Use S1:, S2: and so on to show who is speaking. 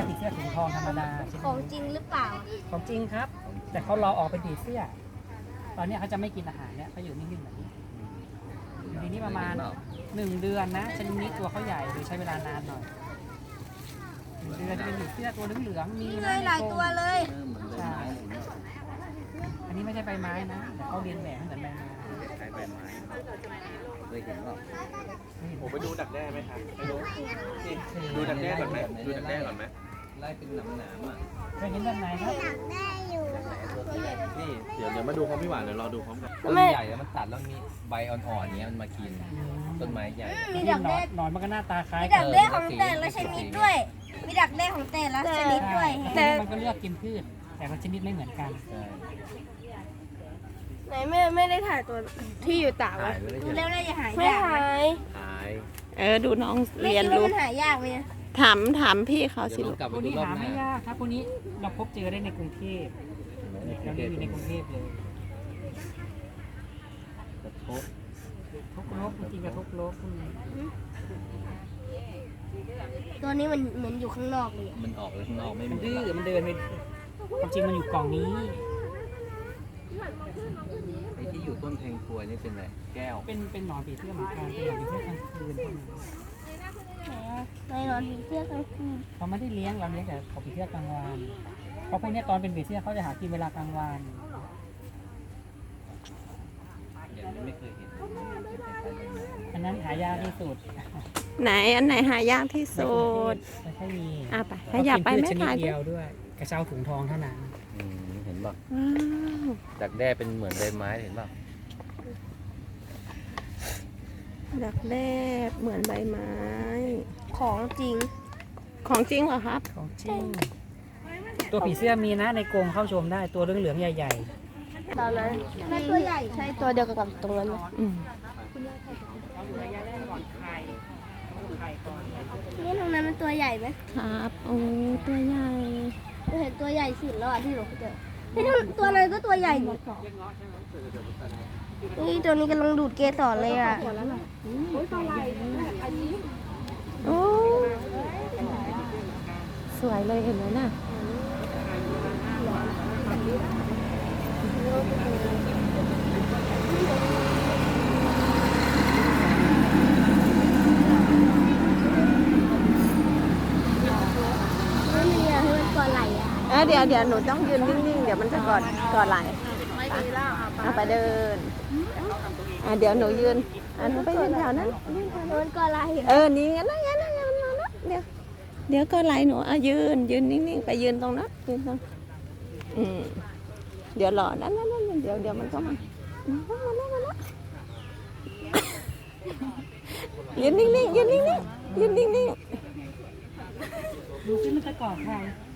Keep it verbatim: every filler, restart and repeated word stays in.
S1: ผีเสื้อถุงทองธรรมดา
S2: ของจริงหรือเปล่า
S1: ของจริงครับ แต่เขารอออกเป็นผีเสื้อตอนนี้เขาจะไม่กินอาหารเนี่ยเขาอยู่นิ่งๆแบบนี้อยู่ในนี้ประมาณหนึ่งเดือนนะชนิดนี้ตัวเขาใหญ่โดยใช้เวลานานหน่อยหนึ่งเดือนจะเป็นผีเสื้อตัวเหลืองๆมี
S2: นี่เลยหลายตัวเลย
S1: ใช่อันนี้ไม่ใช่ใบไม้นะแต่เขาเรียนแบบเหมือนใบไม้
S3: ใช้ใบไม้เคยเห็นเปล่า
S4: ผมไปดูดักแด้ไหมครับไปดูนี่ดูดักแด้ก่อนไหมดูดักแด้ก่อนไหม
S3: ไล่เป็นหนามหนามอ่ะ
S1: เคยเห็นแบบไหนครับ
S4: นี่เดี๋ยวเดี๋ยวมาดูพร้อมพี่หวานเดี๋ยวรอดูพร้อมกัน
S3: ต้นใหญ่แล้วมันตัดแล้วมีใบอ่อนๆเนี้ยมันมากินต้นไม้ใหญ่
S2: มีดักแด้
S1: นอนมันก็หน้าตาคล้าย
S2: มี
S1: กั
S2: ดั
S1: น
S2: กแด้ของแต่ละชนิดด้วย มีดักแด้ของแต่ละชนิดด้วย
S1: แต่มันก็เลือกกินพืชแต่ละชนิดไม่เหมือนกัน
S3: ใช่
S5: ไหนแม่ไม่ได้ถ่ายตัวที่อยู่ต่าง
S3: ถ่ายไว้
S2: ดู
S3: เลย
S2: แล้วน่าจะหาย
S5: ไม่
S2: ยาก
S5: หาย
S3: ถ่าย
S6: เออดูน้อง
S2: ไม่
S6: เรียน
S2: คิดว่า
S6: รู้
S2: มันหายากไหมนะ
S6: ถามถามพี่เขาสิ
S3: เดี๋ยว
S6: ลู
S3: เรา
S6: ก
S3: กลับ
S1: พ
S3: ไป
S1: วก
S3: ดู
S1: นี้
S3: รอบ
S1: หา
S3: ห
S1: ไม่
S3: น้าย
S1: ากครับพวกนี้เราพบเจอได้ในกรุงเทพเราได้อยู่ในกรุงเทพเลย
S3: กระทบ
S1: ทุกโลกจริงๆกับทุกโลกพวกนี้
S2: ตัวนี้มันเหมือนอยู่ข้างนอกเลยอะ
S3: มันออกไปข้างนอกไม่เห
S1: มั
S3: มื
S1: น
S3: อน
S1: ดื้อ
S3: เรา
S1: มันเดินไปความจริงมันอยู่กล่องนี้
S3: ไอ้ที่อยู่ต้นแทงครัวนี่เป็นอะไรแก้ว
S1: เป็นเป็นหนอนผีเสื้อเหมือนกันเป็นหนอนผีเสื้อกลางคืนพวกนี้
S2: ในนอนผีเสื้อกลางคืน
S1: เราไม่ได้เลี้ยงเราเลี้ยงแต่ของผีเสื้อกลางวันเพราะพวกนี้ตอนเป็นผีเสื้อเขาจะหากินเวลากลางวัน
S3: อย่างนี้ไม่เคยเห็น
S1: อันนั้นหายากที่สุด
S6: ไหนอันไหนหายากที่สุด
S1: ไม่ค่อยมี
S6: อ่ะไปขยับไป
S1: เขา
S6: ไม่
S1: กินพืชชนิด
S6: ถ่าย
S1: เดียวด้วย กระเช้าถุงทองเท่านั้น
S3: อืมเห็นป่ะ
S6: ว้าว
S3: ดักแด้เป็นเหมือนใบไม้เห็นป่ะ
S6: ดักแด้เหมือนใบไม้
S2: ของจริง
S6: ของจริงเหรอครับ
S1: ของจริงตัวผีเสื้อมีนะในกรงเข้าชมได้ตัวเหลืองๆใหญ่
S2: ตอนนั้นมันตัวใหญ่ใช่ตัวเดียวกับตรงนั้นไหม
S6: อืม
S2: นี่ตรงนั้นมันตัวใหญ่ไหม
S6: ครับโอ้ตัวใหญ่
S2: เราเห็นตัวใหญ่สุดแล้วอ่ะที่เราเจอนี่ตัวนั้นก็ตัวใหญ่อยู่นี่ตัวนี้กำลังดูดเกสรเลยอ่ะ
S6: โอ้สวยเลยเห็นไหมน่ะ
S2: ไม่มีอะให้มันตัวไหลอ่ะ
S6: เออเดี๋ยวเดี๋ยวหนูต้องยืนนิ่งๆเดี๋ยวมันจะกอดกอดไหลเอาไปเดินอ่ะเดี๋ยวหนูยืนอ่ะหนูไปยืนแถวนั้นยืนแถวนั้น
S2: มันตัวไหล
S6: เออ นี่งั้นนะงั้นนะงั้นนะนะเดี๋ยว เดี๋ยวก็ไหลหนูอ่ะยืน ยืนนิ่งๆ ไปยืนตรงนั้นยืนตรงอืมเดี๋ยวรอนั่นนั่นนั่นเดี๋ยวเดี๋ยวมันก็มาอืมมาแล้วมาแล้วยืนนิ่งๆ ยืนนิ่งๆ ยืนนิ่ง
S1: ๆดูซิมันจะกอดใคร